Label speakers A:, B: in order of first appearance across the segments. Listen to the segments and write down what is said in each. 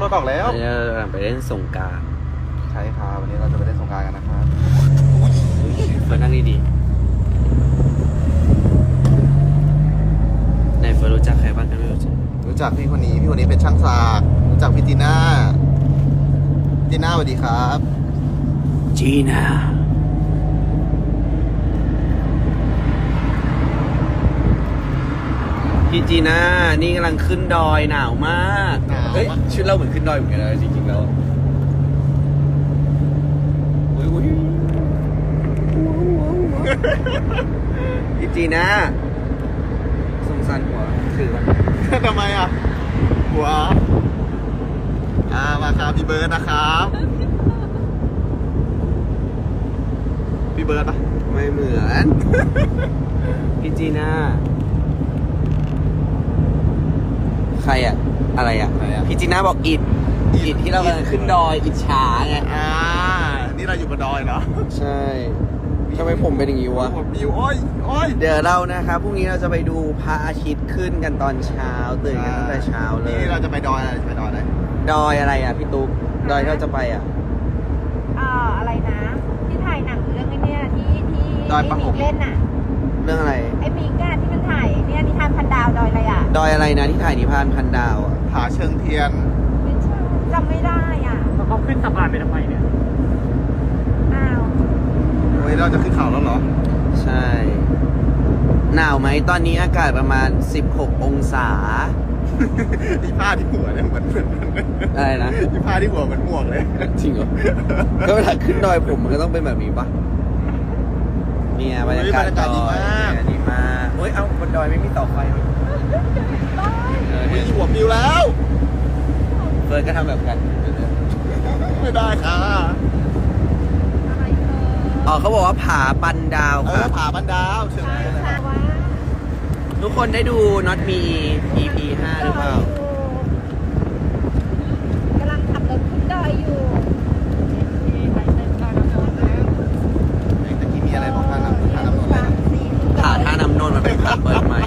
A: ถออกแล้ว
B: วันนี้เรากำลังไปเล่นสงกรานต์
A: ใช่ครับวันนี้เราจะไปเล่นสงกรานต์กันนะครับ
B: เฟิร์นนั่งดีๆในเฟิร์นรู้จักใครบ้างกันไม่รู้จัก
A: รู้จักพี่คนนี้เป็นช่างสากรู้จักพี่จีน่าสวัสดีครับ
B: จีน่าพี่จีน่านี่กำลังขึ้นดอยหนาวมากเฮ้ยชุดเราเหมือนขึ้นดอยเหมือนกันนะจริงๆแล้วอุ๊ยพี่จีน่าสงสารหัวถือมัน
A: ทำไมอ่ะหัวมาครับพี่เบิร์ดนะครับพี่เบิร์ดปะ
B: ไม่เหมือน พี่จีน่าใครอะอะไรอะพี่จีน่าบอกอิดที่เรากำลังขึ้นดอยอิจฉาไง
A: นี่เราอยู่บนดอยเหรอ
B: ใช่ทำไมผมเป็นอย่างนี้วะ
A: ผมวิวโอ้ย
B: เดี๋ยวเรานะครับพรุ่งนี้เราจะไปดูพระอาทิตย์ขึ้นกันตอนเช้าตื่นกันตั้งแต่เช้าเลย
A: นี่เราจะไปดอยอะไร
B: ดอยอะไรอ่ะพี่ตุ๊กดอยที่เราจะไปอ่ะ
C: อะไรนะ ที่ถ่ายหนังเรื่องไอ้เนี่ยที่
A: ดอยปะหง
C: เล่นน่ะ
B: เรื่องอะไร
C: ไอ้มิงอ่ะที่มันถ่ายเนี่ยนิทานพันดาวดอยอะไรอ่ะ
B: ดอยอะไรนะที่ถ่ายนิพพานพันดาวอ่ะ
A: ผาเชิงเทียน
C: ไม่ใช่จำไม่ได้อ่ะ
D: แล้วเขาขึ้นสะพานไปทำไมเนี่ย
C: อ้าว
A: เฮ้ยเราจะขึ้นเขาแล้วเหรอ
B: ใช่หนาวไหมตอนนี้อากาศประมาณ16องศา
A: ที่ผ้าที่หัวเนี่ยเหมือน
B: อะไรนะ
A: ที่ผ้าที่หัวเหมือนหมวกเลย
B: จริงเหรอ ก็เวลาขึ้นดอยผมมันก็ต้องเป็นแบบนี้ปะเนี่ยบรรยากาศดอยเนี่ยดีมากเฮ้ยเอ้าบนดอยไม่มีเสาไฟมั้ยเออ
A: มี
B: เนี่ย
A: หัวปิวแล้ว
B: เฟิร์นก็ทำแบบกัน
A: ไม่ได้ค่ะ
C: อะไรเธอ
B: อ๋อเขาบอกว่าผาปันดาว ครับ
A: ผาบันดาวเชิง
C: ใช่
A: เทียน
C: ค่ะว่า
B: ทุกคนได้ดู Not Me EP 5 หรือเปล่า
C: กำลังขับรถขึ้นดอยอยู่
A: แต่ที่มีอะไรบอกท่าน้ำนนท์เลย
B: ผาท่าน้ำนนท์มันเป็นผาเปิดใหม่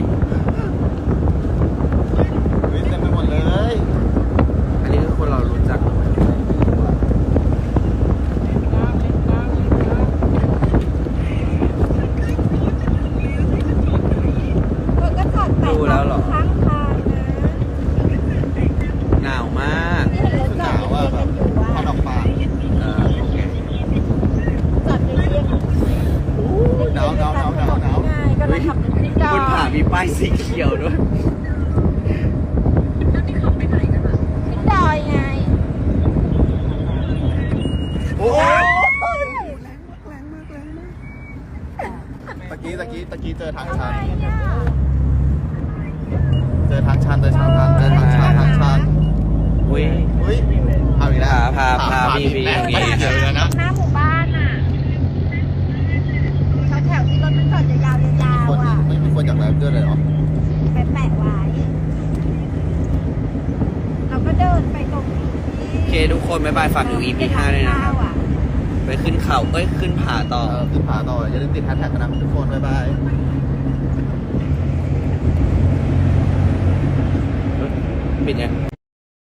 A: เฮ้ยเต็มไปหมดเลย
B: อันนี้คือคนเรารู้จัก
C: เธอก็จอดแปะ
B: ดูแล้วเหรอ
C: ข้างทางนะ
B: หนาวมาก
C: ที่เห็นรถจอดเรียงกันอยู่
A: พอ
C: ว่า
A: ดอกปาก
B: โอเค
C: จอดเรียงกัน
A: หนาว
C: ง่ายก็เลยขับรถขึ้นดอย
B: บนผามีป้ายสีเขียวด้วย
C: ขึ้นดอยไง
A: โอ้ยตะกี้เจอทางชัน เจอทางชันทาง
B: อุ้ย
A: เฮ้ยเอาอีกแล้ว
B: พาพี่
A: แม่
B: พี่
A: เดี๋ยวนะ
C: หน้าหมู่บ้านอ่ะแถวที่รถมันจอดยาวๆ
A: คน
C: อ่ะ
A: ไม่มีคนจากไหนด้วยเลยเหรอ
C: ไปแปะไว้ เราก็เดินไปตรงนี้
B: โอเคทุกคนบ๊ายบายฝากถึง EP 5ด้วยนะครับ ไปขึ้นเขาขึ้นผาต่อ
A: ขึ้นผาต่ออย่าลืมติดแฮชแท็กกันนะทุกคนบ๊ายบาย
B: ปิดยัง